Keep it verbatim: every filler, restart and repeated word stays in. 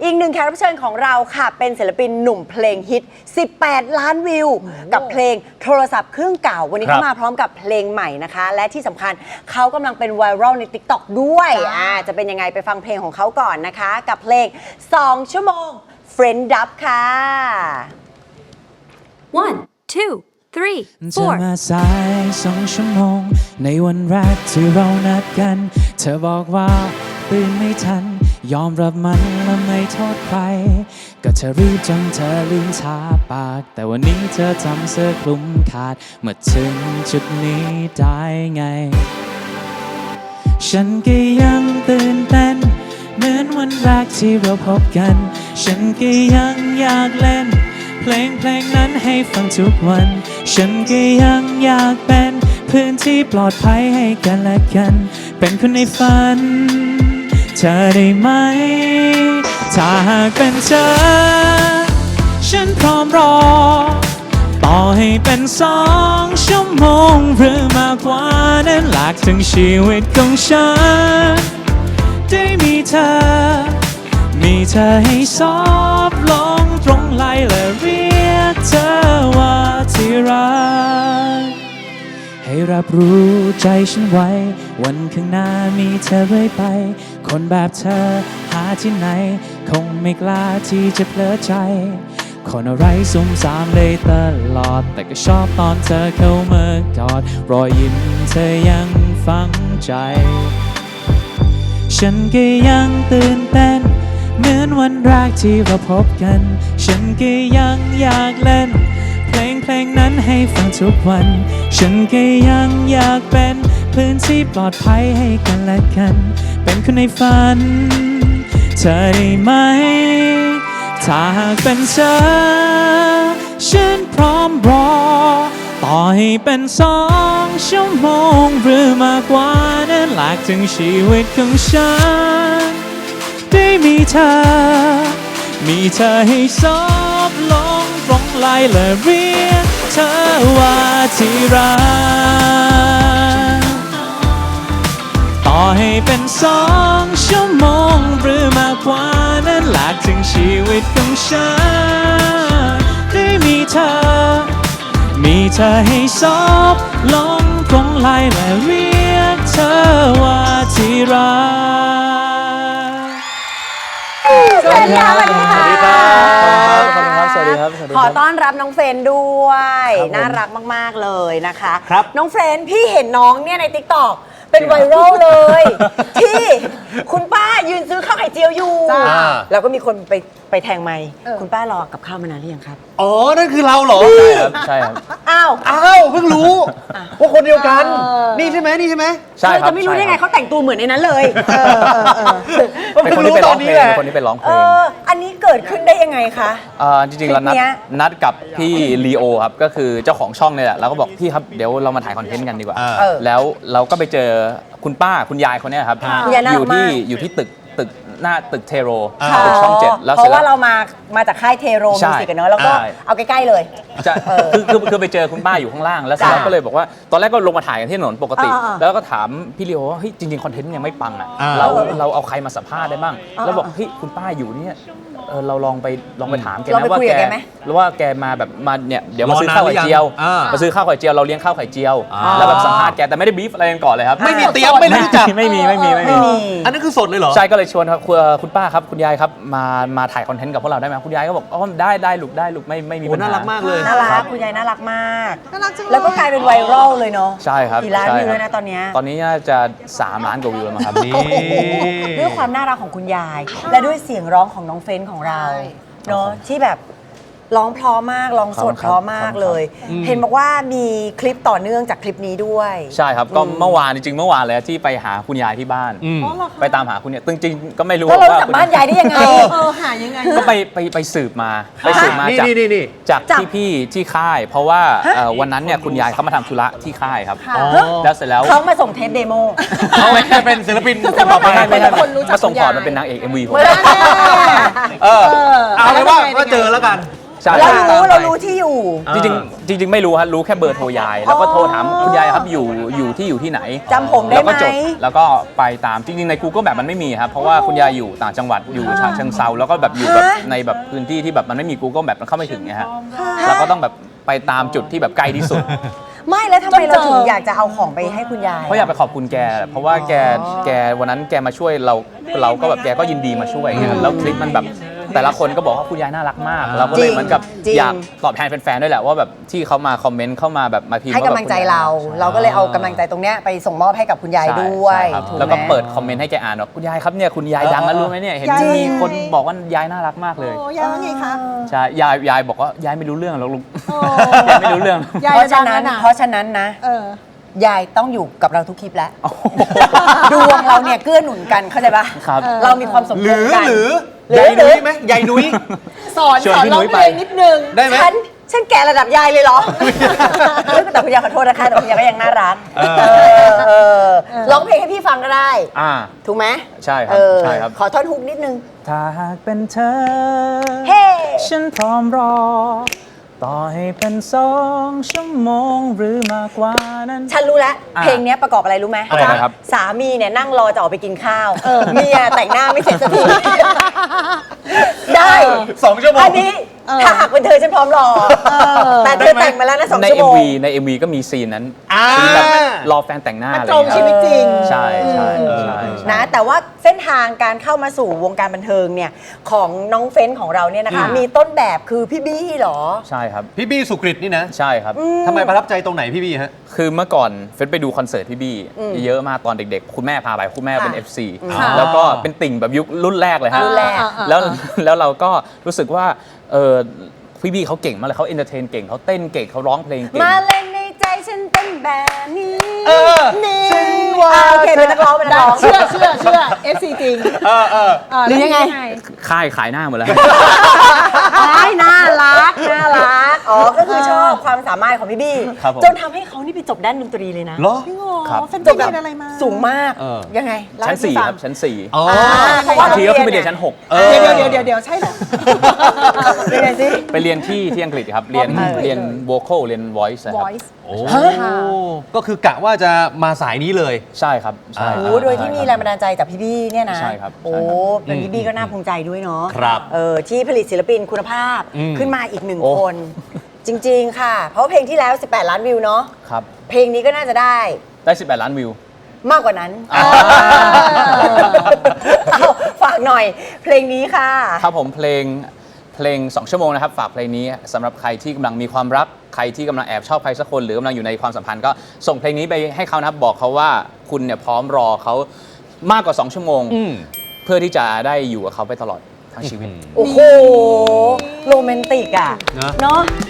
อีกหนึ่งแขกรับเชิญของเราค่ะเป็นศิลปินหนุ่มเพลงฮิตสิบแปดล้านวิวกับเพลงโทรศัพท์เครื่องเก่าวันนี้เขามาพร้อมกับเพลงใหม่นะคะและที่สำคัญเขากำลังเป็นไวรัลใน ติ๊กต็อก ด้วยอ่าจะเป็นยังไงไปฟังเพลงของเขาก่อนนะคะกับเพลงสองชั่วโมง Friend Dub ค่ะ one two three เธอ four มาสายสองชั่วโมงในวันแรกที่เรานัดกันเธอบอกว่าตื่นไม่ทันยอมรับมันและไม่โทษใครก็เธอรีบจนเธอลืมทาปากแต่วันนี้เธอทำเสื้อคลุมขาดเมื่อถึงจุดนี้ได้ไงฉันก็ยังตื่นเต้นเหมือนวันแรกที่เราพบกันฉันก็ยังอยากเล่นเพลงเพลงนั้นให้ฟังทุกวันฉันก็ยังอยากเป็นพื้นที่ปลอดภัยให้กันและกันเป็นคนในฝันเธอได้ไหมถ้าหากเป็นเธอฉันพร้อมรอต่อให้เป็นสองชั่วโมงหรือมากกว่านั้นหลากถึงชีวิตของฉันได้มีเธอมีเธอให้ซอบลงตรงไหลและเรียกเธอว่าที่รักให้รับรู้ใจฉันไว้วันข้างหน้ามีเธอเรื่อยไปคนแบบเธอหาที่ไหนคงไม่กล้าที่จะเพลอใจคนอะไรซุ่มซ่ามได้ตลอดแต่ก็ชอบตอนเธอเข้ามากอดรอยยิ้มเธอยังฝังใจฉันก็ยังตื่นเต้นเหมือนวันแรกที่เราพบกันฉันก็ยังอยากเล่นเพลงเพลงนั้นให้ฟังทุกวันฉันก็ยังอยากเป็นพื้นที่ปลอดภัยให้กันและกันเป็นคนในฝันเธอได้ไหมถ้าหากเป็นเธอฉันพร้อมรอต่อให้เป็นสองชั่วโมงหรือมากกว่านั้นหลากถึงชีวิตของฉันได้มีเธอมีเธอให้ซอบลงตรงไหลและเรียกเธอว่าที่รักต่อให้เป็นสองชั่วโมงหรือมากกว่านั้นหลากถึงชีวิตของฉันได้มีเธอมีเธอให้ซอบลงตรงไหลและเรียกเธอว่าที่รักสวัสดีค่ะสวัสดีค่ะสวัสดีครับขอบคุณครับสวัสดีครับขอต้อนรับน้องเฟรนด้วยน่ารักมากๆเลยนะคะน้องเฟรนพี่เห็นน้องเนี่ยใน ติ๊กต็อก เป็นไวรัลเลย ที่คุณป้ายืนซื้อข้าวไข่เจียวอยู่แล้วก็มีคนไปไปแทงไมค์คุณป้ารอกับข้าวมานานหรือยังครับอ๋อนั่นคือเราเหรอใช่ครับใช่ครับอ้าวอ้าวเพิ่งรู้ว่าคนเดียวกันนี่ใช่ไหมนี่ใช่ไหมใช่ครับจะไม่รู้ได้ไงเขาแต่งตัวเหมือนในนั้นเลยเป็นคนที่ไปร้องเพลงเป็นคนที่ไปร้องเพลงอันนี้เกิดขึ้นได้ยังไงคะจริงๆเรานัดนัดกับพี่ลีโอครับก็คือเจ้าของช่องเนี่ยแหละเราก็บอกพี่ครับเดี๋ยวเรามาถ่ายคอนเทนต์กันดีกว่าแล้วเราก็ไปเจอคุณป้าคุณยายคนนี้ครับอยู่ที่อยู่ที่ตึกตึกหน้าตึกเทโรตึกช่องเจ็ดแล้วเพราะว่าเรามามาจากค่ายเทโรมิวสิกกันเนอะแล้วก็เอาใกล้ๆเลยคือคือคือไปเจอคุณป้าอยู่ข้างล่างแล้วเราก็เลยบอกว่าตอนแรกก็ลงมาถ่ายกันที่ถนนปกติแล้วก็ถามพี่ลีโอว่าเฮ้ยจริงๆคอนเทนต์ยังไม่ปังอ่ะเราเราเอาใครมาสัมภาษณ์ได้บ้างแล้วบอกเฮ้ยคุณป้าอยู่เนี่ยเออเราลองไปลองไปถามแกนะว่าแกหรือว่าแกมาแบบมาเนี่ยเดี๋ยวมาซื้อข้าวไข่เจียวมาซื้อข้าวไข่เจียวเราเลี้ยงข้าวไข่เจียวแล้วแบบสัมภาษณ์แกแต่ไม่ได้บีฟอะไรกันก่อนเลยครับไม่มีเตรียมไม่รู้จักไม่มีไม่มีไม่มีอันนั้นคือสดเลยเหรอใช่ก็เลยชวนครับคุณป้าครับคุณยายครับมามาถ่ายคอนเทนต์กับพวกเราได้ไหมคุณยายก็บอกอ๋อได้ได้ลูกได้ลูกไม่ไม่มีปัญหาน่ารักมากเลยน่ารักคุณยายน่ารักมากแล้วก็กลายเป็นไวรัลเลยเนาะใช่ครับกี่ล้านวิวแล้วนะตอนนี้ตอนนี้น่าจะสามล้านกว่าวิวแล้วมั้งครับด้วยความน่ารักของคุณยายและด้วยเสียงร้องของน้องเฟรนของเราเนาะที่แบบร้องเพราะมากร้องสดเพราะมากเลยเห็นบอกว่ามีคลิปต่อเนื่องจากคลิปนี้ด้วยใช่ครับก็เมื่อวานจริงๆเมื่อวานเลยที่ไปหาคุณยายที่บ้านไปตามหาคุณยายจริงๆก็ไม่รู้ว่าเราจากบ้านยายได้ยังไงเออหายังไงก็ไปไปไปสืบมาไปสืบมาจากจากที่พี่ที่ค่ายเพราะว่าวันนั้นเนี่ยคุณยายเขามาทำธุระที่ค่ายครับแล้วเสร็จแล้วเขามาส่งเทปเดโมเขาเป็นศิลปินต่อไปไม่ใช่มาส่งพอร์ตมาเป็นนางเอก เอ็ม วี ผมเออเอาเลยว่าก็เจอแล้วกันใช่เราตามรู้ไปเรารู้ที่อยู่จริงๆจริง ๆ ไม่รู้ฮะรู้แค่เบอร์โทรยาย แล้วก็โทรถามคุณยายครับอยู่อยู่ที่อยู่ที่ไหนจำผมได้ไหมแล้วก็จดแล้วก็ไปตามจริงๆใน Google แบบมันไม่มีครับเพราะว่าคุณยายอยู่ต่างจังหวัดอยู่ฉะเชิงเซาแล้วก็แบบอยู่แบบในแบบพื้นที่ที่แบบมันไม่มี Google แบบมันเข้าไม่ถึงไงฮะเราก็ต้องแบบไปตามจุดที่แบบใกล้ที่สุดไม่แล้วทำไมเราถึงอยากจะเอาของไปให้คุณยายเพราะอยากไปขอบคุณแก เพราะว่าแกแกวันนั้นแกมาช่วยเราเราก็แบบแกก็ยินดีมาช่วยไงแล้วคลิปมันแบบแต่ละคนก็บอกว่าคุณยายน่ารักมาก เราก็เลยเหมือนกับจริงอยากตอบแทนแฟนๆด้วยแหละว่าแบบที่เขามาคอมเมนต์เข้ามาแบบมาพิมพ์ให้กำลังใจเรา เราก็เลยเอากำลังใจตรงเนี้ยไปส่งมอบให้กับคุณยายใช่ด้วยใช่ครับถูไหมแล้วก็เปิดคอมเมนต์ให้แกอ่านว่าคุณยายครับเนี่ยคุณยายดังนะรู้ไหมเนี่ยเห็นจริงมีคนบอกว่ายายน่ารักมากเลยโอ้ยายว่าไงคะใช่ยายยายบอกว่ายายไม่รู้เรื่องหรอกลุงโอ้ยายไม่รู้เรื่องยายเพราะฉะดันั้งนแล้วนะเพราะฉะนั้นนะเออยายต้องอยู่กับเราทุกคลิปแล้ว ดวงเราเนี่ยเกื้อหนุนกันเข้าใจปะครับเรามีความสมหดุรืลอกันหรือหรือยายนุ้ยไหมยายนุ้ยสอนชวนสอนพี่ร้อนุ้งยเพไปลงนิดนึงได้ไหมฉันฉันแก่ระดับยายเลยเหรอ เฮ้ยแต่คุณยายขอโทษนะคะแต่คุณยายก็ยังน่ารักเออเออเออร้องเพลงให้พี่ฟังก็ได้อ่าถูกไหมใช่ครับเออใช่ครับขอท่อนฮุกนิดนึงถ้าหากเป็นเธอเฮ้ฉันพร้อมรอ ต่อให้เป็นสองชั่วโมงหรือมากกว่านั้นฉันรู้แล้วอ่ะเพลงเนี้ยประกอบอะไรรู้ไหมอะไรนะครับสามีเนี่ยนั่งรอจะออกไปกินข้าวเมียแต่งหน้าไม่เสร็จสักที ได้สองชั่วโมงอันนี้ถ้าหากเป็นเธอฉันพร้อมรอ แต่เธอแต่งมาแล้วนะสองในชั่วโมงเอ็มวีใน เอ็ม วี ก็มีซีนนั้นอ่าซีนแบบรอแฟนแต่งหน้าอะไรตรงชีวิตจริงใช่ใช่ใช่นะแต่ว่าเส้นทางการเข้ามาสู่วงการบันเทิงเนี่ยของน้องเฟ้นของเราเนี่ยนะคะ มีต้นแบบคือพี่บี้เหรอใช่ครับพี่บี้สุกฤตนี่นะใช่ครับทำไมประทับใจตรงไหนพี่บี้ฮะคือเมื่อก่อนเฟซไปดูคอนเสิร์ตพี่บี้เยอะมากตอนเด็กๆ คุณแม่พาไปคุณแม่เป็นค่ะเอฟ ซีค่ะแล้วก็เป็นติ่งแบบยุครุ่นแรกเลยฮะรุ่นแรกแล้วแล้วเราก็รู้สึกว่าเออพี่บี้เขาเก่งมากเลยเขาเอนเตอร์เทนเก่งเขาเต้นเก่งเขาร้องเพลงเก่งมาเล่นในใจฉันเป็นแบบนี้เออนี่ฉันว่าอ่ะโอเคเป็นนักร้องเป็นนักร้องเชื่อเชื่อเชื่อ เอฟ ซี จริงเออเออหรือยังไงค่ายขายหน้าหมดแล้วอ้ายน่ารักน่ารักอ๋อก็คือชอบความสามารถของพี่บี้ครับผมจนทำให้เขานี่ไปจบด้านดนตรีเลยนะเหรอพี่โง่ครับเฟนจไปบแบเรีบยนอะไรมาสูงมากเออยังไงเล่าชั้นให้สี่พี่ฟังครับชั้นสี่อ๋อเพราะว่าบางทีก็ขึ้นไปเรียนชั้นหกเดี๋ยวเดี๋ยวเดี๋ยวเดี๋ยวใช่เหรอยังไงสิไปเรียนที่ที่อังกฤษครับ เรียนอ๋อเรียน vocal เรียน voice นะครับ voice โอ้ก็คือกะว่าจะมาสายนี้เลยใช่ครับใช่คโอ้รับโหโดยที่มีแรงบันดาลใจจากพี่บี้เนี่ยนะใช่ครับโอ้ใช่ครับเป็นพี่บี้ก็น่าภูมิใจด้วยเนาะครับเออที่ผลิตศิลปินคุณภาพอืมขึ้นมาอีกหนึ่งโอ้คน จริง ๆ ค่ะ เพราะเพลงที่แล้ว สิบแปด ล้านวิวเนาะครับเพลงนี้ก็น่าจะได้ได้สิบแปดล้านวิวมากกว่านั้นเอาฝากหน่อย เพลงนี้ค่ะครับผมเพลงเพลง สอง ชั่วโมงนะครับ ฝากเพลงนี้สำหรับใครที่กำลังมีความรัก ใครที่กำลังแอบชอบใครสักคน หรือกำลังอยู่ในความสัมพันธ์ก็ส่งเพลงนี้ไปให้เขานะครับบอกเขาว่าคุณเนี่ยพร้อมรอเขามากกว่า สอง ชั่วโมงอืมเพื่อที่จะได้อยู่กับเขาไปตลอดทั้งชีวิตโอ้โห โรแมนติกอ่ะเนอะเนาะ